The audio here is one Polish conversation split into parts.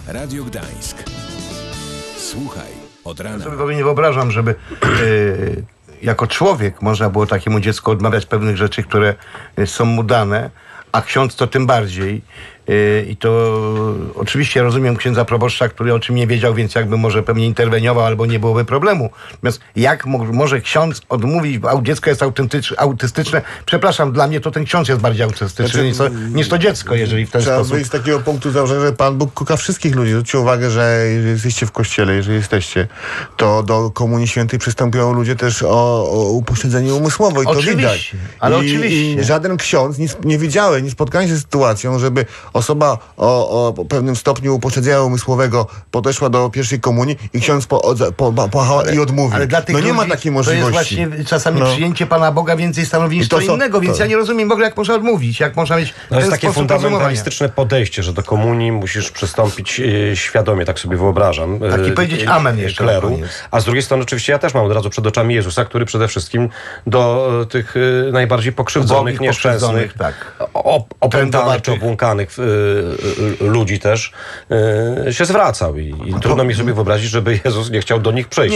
Radio Gdańsk. Słuchaj od rana. Ja sobie nie wyobrażam, żeby jako człowiek można było takiemu dziecku odmawiać pewnych rzeczy, które są mu dane, a ksiądz to tym bardziej. I to oczywiście rozumiem księdza proboszcza, który o czym nie wiedział, więc jakby może pewnie interweniował albo nie byłoby problemu. Natomiast jak może ksiądz odmówić, bo dziecko jest autystyczne? Przepraszam, dla mnie to ten ksiądz jest bardziej autystyczny niż to dziecko, jeżeli w ten Trzeba sposób. wyjść z takiego punktu założenia, że Pan Bóg kocha wszystkich ludzi. Zwróćcie uwagę, że jeżeli jesteście w kościele, jeżeli jesteście, to do Komunii Świętej przystępują ludzie też o upośledzenie umysłowe i to widać. Ale oczywiście. I żaden ksiądz, nie spotkałem się z sytuacją, żeby osoba o pewnym stopniu upośledzenia umysłowego podeszła do pierwszej komunii i ksiądz pochała i odmówił. Ale dla tych nie ma ludzi takiej możliwości. To jest właśnie czasami przyjęcie Pana Boga więcej stanowi niż co innego, więc ja nie rozumiem w ogóle, jak można odmówić, jak można mieć to jest takie fundamentalistyczne podejście, że do komunii musisz przystąpić świadomie, tak sobie wyobrażam. Tak, i powiedzieć amen jeszcze kleru. A z drugiej strony oczywiście ja też mam od razu przed oczami Jezusa, który przede wszystkim do tych najbardziej pokrzywdzonych, nieszczęsnych, opętanych czy obłąkanych ludzi też się zwracał i trudno mi sobie wyobrazić, żeby Jezus nie chciał do nich przyjść.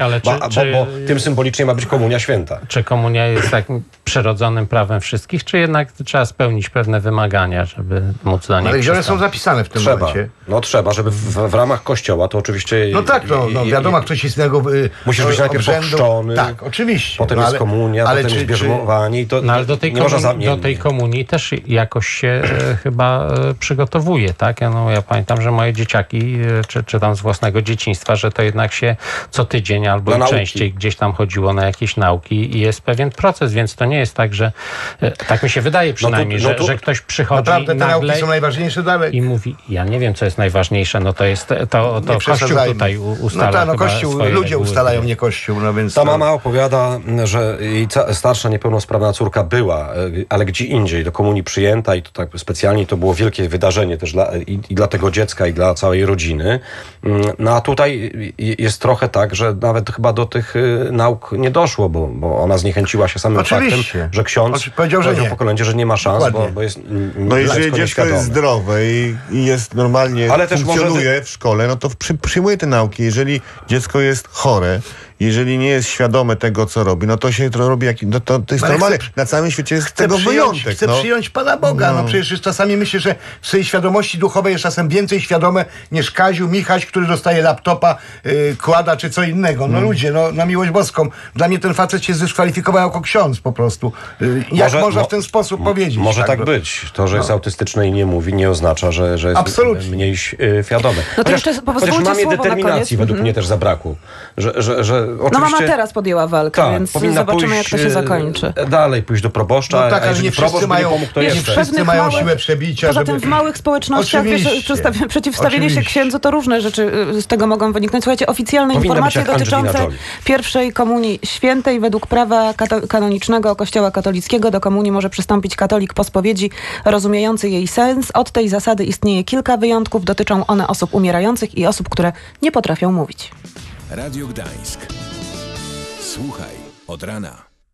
Bo tym symbolicznie ma być komunia święta. Czy komunia jest takim przyrodzonym prawem wszystkich, czy jednak trzeba spełnić pewne wymagania, żeby móc do nich Ale gdzie one są przystąpić? zapisane w tym momencie? Trzeba, żeby w ramach kościoła to oczywiście... No tak, wiadomo, ktoś jest innego musisz być najpierw ochrzczony. Tak, oczywiście. Potem jest komunia, potem jest bierzmowanie. Ale do tej komunii też jakoś się chyba przygotowuje, tak? Ja pamiętam, że moje dzieciaki, czy tam z własnego dzieciństwa, że to jednak się co tydzień albo częściej gdzieś tam chodziło na jakieś nauki i jest pewien proces, więc to nie jest tak, że tak mi się wydaje przynajmniej, że ktoś przychodzi naprawdę nagle te nauki są najważniejsze dalej. I mówi, ja nie wiem, co jest najważniejsze, to jest to Kościół tutaj ustala. Kościół, ludzie ustalają, nie Kościół. Więc ta mama opowiada, że jej starsza niepełnosprawna córka była, ale gdzie indziej do komunii przyjęta i to tak specjalnie to było wielkie wydarzenie też dla tego dziecka i dla całej rodziny. No a tutaj jest trochę tak, że nawet chyba do tych nauk nie doszło, bo ona zniechęciła się samym faktem, że ksiądz powiedział pokolenie, że nie ma szans, bo jest jeżeli dziecko jest zdrowe i jest normalnie, funkcjonuje w szkole, to przyjmuje te nauki. Jeżeli dziecko jest chore, jeżeli nie jest świadome tego, co robi, to się to robi, to jest normalne. Na całym świecie jest tego wyjątek. Chcę przyjąć Pana Boga. Przecież już czasami myślę, że w swojej świadomości duchowej jest czasem więcej świadome niż Kaziu, Michaś, który dostaje laptopa, kłada czy co innego. Ludzie, na miłość boską. Dla mnie ten facet się zdyskwalifikował jako ksiądz po prostu. Jak można w ten sposób powiedzieć? Może tak być. To, że jest autystyczny i nie mówi, nie oznacza, że jest mniej świadomy. To jeszcze chociaż mamie determinacji według mnie też zabrakło. Że oczywiście, mama teraz podjęła walkę, więc zobaczymy, jak to się zakończy. Dalej pójść do proboszcza, ale nie wszyscy mają, wszyscy mają siłę przebicia. Poza tym w małych społecznościach przeciwstawienie się księdzu to różne rzeczy z tego mogą wyniknąć. Słuchajcie, oficjalne informacje dotyczące pierwszej komunii świętej według prawa kanonicznego Kościoła katolickiego do komunii może przystąpić katolik po spowiedzi rozumiejący jej sens. Od tej zasady istnieje kilka wyjątków. Dotyczą one osób umierających i osób, które nie potrafią mówić. Radio Gdańsk. Słuchaj od rana.